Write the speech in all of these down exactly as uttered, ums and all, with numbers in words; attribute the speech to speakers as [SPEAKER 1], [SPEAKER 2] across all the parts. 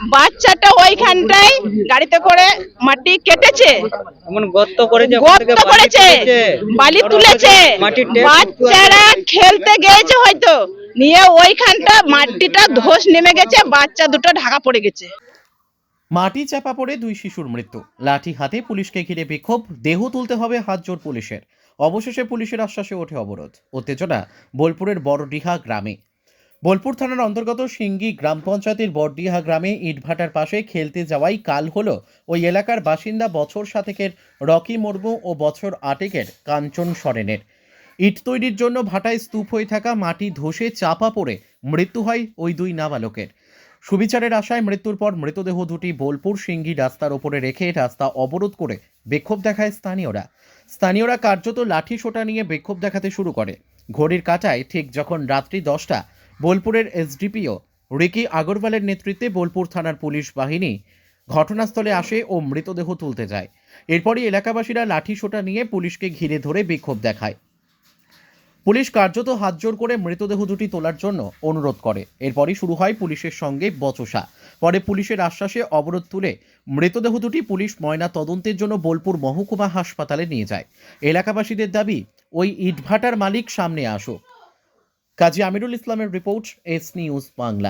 [SPEAKER 1] বাচ্চাটা ওইখানটায় গাড়িতে করে মাটি কেটেছে,
[SPEAKER 2] গর্ত করেছে,
[SPEAKER 1] গর্ত করেছে, বালি তুলেছে, বাচ্চারা খেলতে গিয়েছে হয়তো, নিয়ে ওইখানটা মাটিটা ধস নেমে গেছে, বাচ্চা দুটো ঢাকা পড়ে গেছে।
[SPEAKER 3] মাটি চাপা পড়ে দুই শিশুর মৃত্যু, লাঠি হাতে পুলিশকে ঘিরে বিক্ষোভ, দেহ তুলতে হবে হাত জোর পুলিশের। অবশেষে পুলিশের আশ্বাসে ওঠে অবরোধ। উত্তেজনা বোলপুরের বড়ডিহা গ্রামে। বোলপুর থানার অন্তর্গত সিঙ্গি গ্রাম পঞ্চায়েতের বড়ডিহা গ্রামে ইটভাটার পাশে খেলতে যাওয়াই কাল হলো ওই এলাকার বাসিন্দা বছর সাতেকের রকি মুর্মু ও বছর আটেকের কাঞ্চন সরেনের। ইট তৈরির জন্য ভাটায় স্তূপ হয়ে থাকা মাটি ধসে চাপা পড়ে মৃত্যু হয় ওই দুই নাবালকের। সুবিচারের আশায় মৃত্যুর পর মৃতদেহ দুটি বোলপুর সিঙ্গি রাস্তার ওপরে রেখে রাস্তা অবরোধ করে বিক্ষোভ দেখায় স্থানীয়রা। স্থানীয়রা কার্যত লাঠি সোটা নিয়ে বিক্ষোভ দেখাতে শুরু করে। ঘড়ির কাঁটায় ঠিক যখন রাত্রি দশটা, বোলপুরের এসডিপিও রিকি আগরওয়ালের নেতৃত্বে বোলপুর থানার পুলিশ বাহিনী ঘটনাস্থলে আসে ও মৃতদেহ তুলতে যায়। এরপরই এলাকাবাসীরা লাঠি সোটা নিয়ে পুলিশকে ঘিরে ধরে বিক্ষোভ দেখায়। পুলিশ কার্যত হাতজোড় করে মৃতদেহ দুটি তোলার জন্য অনুরোধ করে। এরপরই শুরু হয় পুলিশের সঙ্গে বচসা। পরে পুলিশের আশ্বাসে অবরোধ তুলে মৃতদেহ দুটি পুলিশ ময়না তদন্তের জন্য বোলপুর মহকুমা হাসপাতালে নিয়ে যায়। এলাকাবাসীদের দাবি ওই ইটভাটার মালিক সামনে আসুক। কাজী আমিরুল ইসলামের রিপোর্ট, এস নিউজ বাংলা।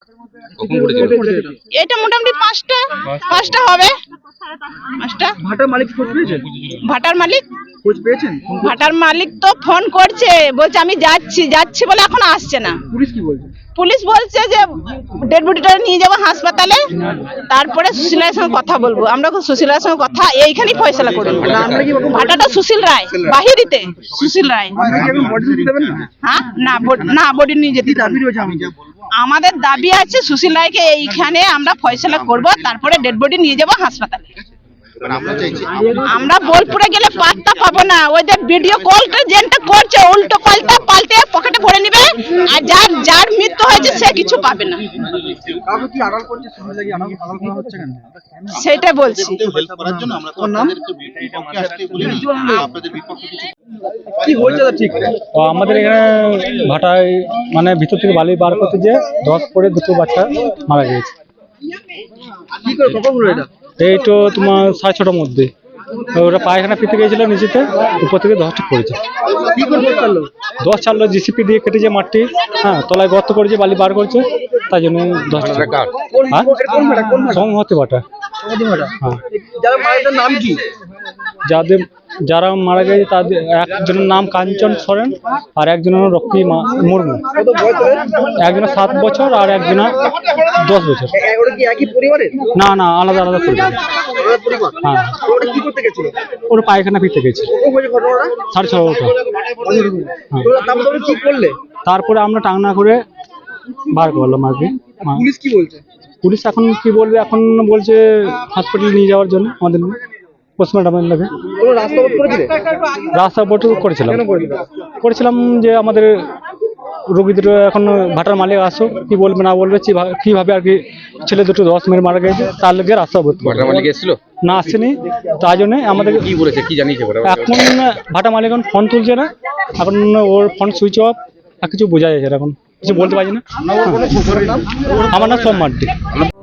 [SPEAKER 1] এটা মোটামুটি পাঁচটা পাঁচটা হবে। পাঁচটা।
[SPEAKER 4] ভাটার মালিক খোঁজ পেয়েছেন?
[SPEAKER 1] ভাটার মালিক
[SPEAKER 4] খোঁজ পেয়েছেন?
[SPEAKER 1] ভাটার মালিক তো ফোন করছে, বলছে আমি যাচ্ছি যাচ্ছি বলে এখন আসছে না।
[SPEAKER 4] পুলিশ কি বলছে?
[SPEAKER 1] পুলিশ বলছে যে ডেড বডিটা নিয়ে যাবো হাসপাতালে, তারপরে সুশীলার সঙ্গে কথা বলবো। আমরা সুশীলার সঙ্গে কথা এইখানেই ফয়সলা করবো। ভাটাটা সুশীল রায়, বাহিরিতে সুশীল রায়। হ্যাঁ, না না বডি নিয়ে যেতে আমাদের দাবি আছে সুশীল রায়কে এইখানে আমরা ফয়সলা করব, তারপরে ডেড বডি নিয়ে যাবো হাসপাতালে। আমরা বোলপুরে গেলে পাত্তা পাবো না। ওদের ভিডিও কলটা যেটা করছে উল্টো পাল্টা পাল্টে পকেটে ভরে নেবে, আর যার যার মৃত্যু হয়েছে সে কিছু পাবে না। সেটা বলছি।
[SPEAKER 5] আমাদের এখানে ভাটায় মানে ভিতর থেকে বালি বার করতে যে দশ পরে দুটো বাচ্চা মারা গিয়েছে। এই তো তোমার সাড়ে ছটার মধ্যে ওরা পায়খানা ফিরতে গিয়েছিল, নিচেতে উপর থেকে দশ ঠিক করেছে। দশ চাললো জিসিপি দিয়ে কেটেছে মাটি, হ্যাঁ তলায় গর্ত করেছে, বালি বার করছে, তাই জন্য দশ টাকা সংহতি ভাটা। হ্যাঁ, যাদের যারা মারা গেছে তাদের একজনের নাম কাঞ্চন সরেন আর একজনের রকি মুর্মু। একজনের সাত বছর আর একজনের দশ বছর। না না, আলাদা আলাদা পরিবার। হ্যাঁ, ওরা পায়খানা ফিরতে গেছে সাড়ে ছটা। তারপরে আমরা টাংনা করে বার করলাম আর কি।
[SPEAKER 4] পুলিশ কি বলছে?
[SPEAKER 5] পুলিশ এখন কি বলবে, এখন বলছে হসপিটালে নিয়ে যাওয়ার জন্য আমাদের পোস্টমর্টমের লাগে। রাস্তা অবরোধ করেছিলাম করেছিলাম যে আমাদের রোগীদের এখন ভাটার মালিক আসো, কি বলবে না বলবে, কিভাবে আর কি ছেলে দুটো দশ মিনিট মারা গেছে, তার লগে রাস্তা অবরোধ।
[SPEAKER 2] ভাটার মালিক এসেছিল
[SPEAKER 5] না, আসেনি, তাই জন্য আমাদের
[SPEAKER 2] কি বলেছে কি জানিয়েছে?
[SPEAKER 5] এখন ভাটা মালিক এখন ফোন তুলছে না, এখন ওর ফোন সুইচ অফ, আর কিছু বোঝা যাচ্ছে এখন, কিছু বলতে পারছি না। আমার নাম সোম মার্ডি।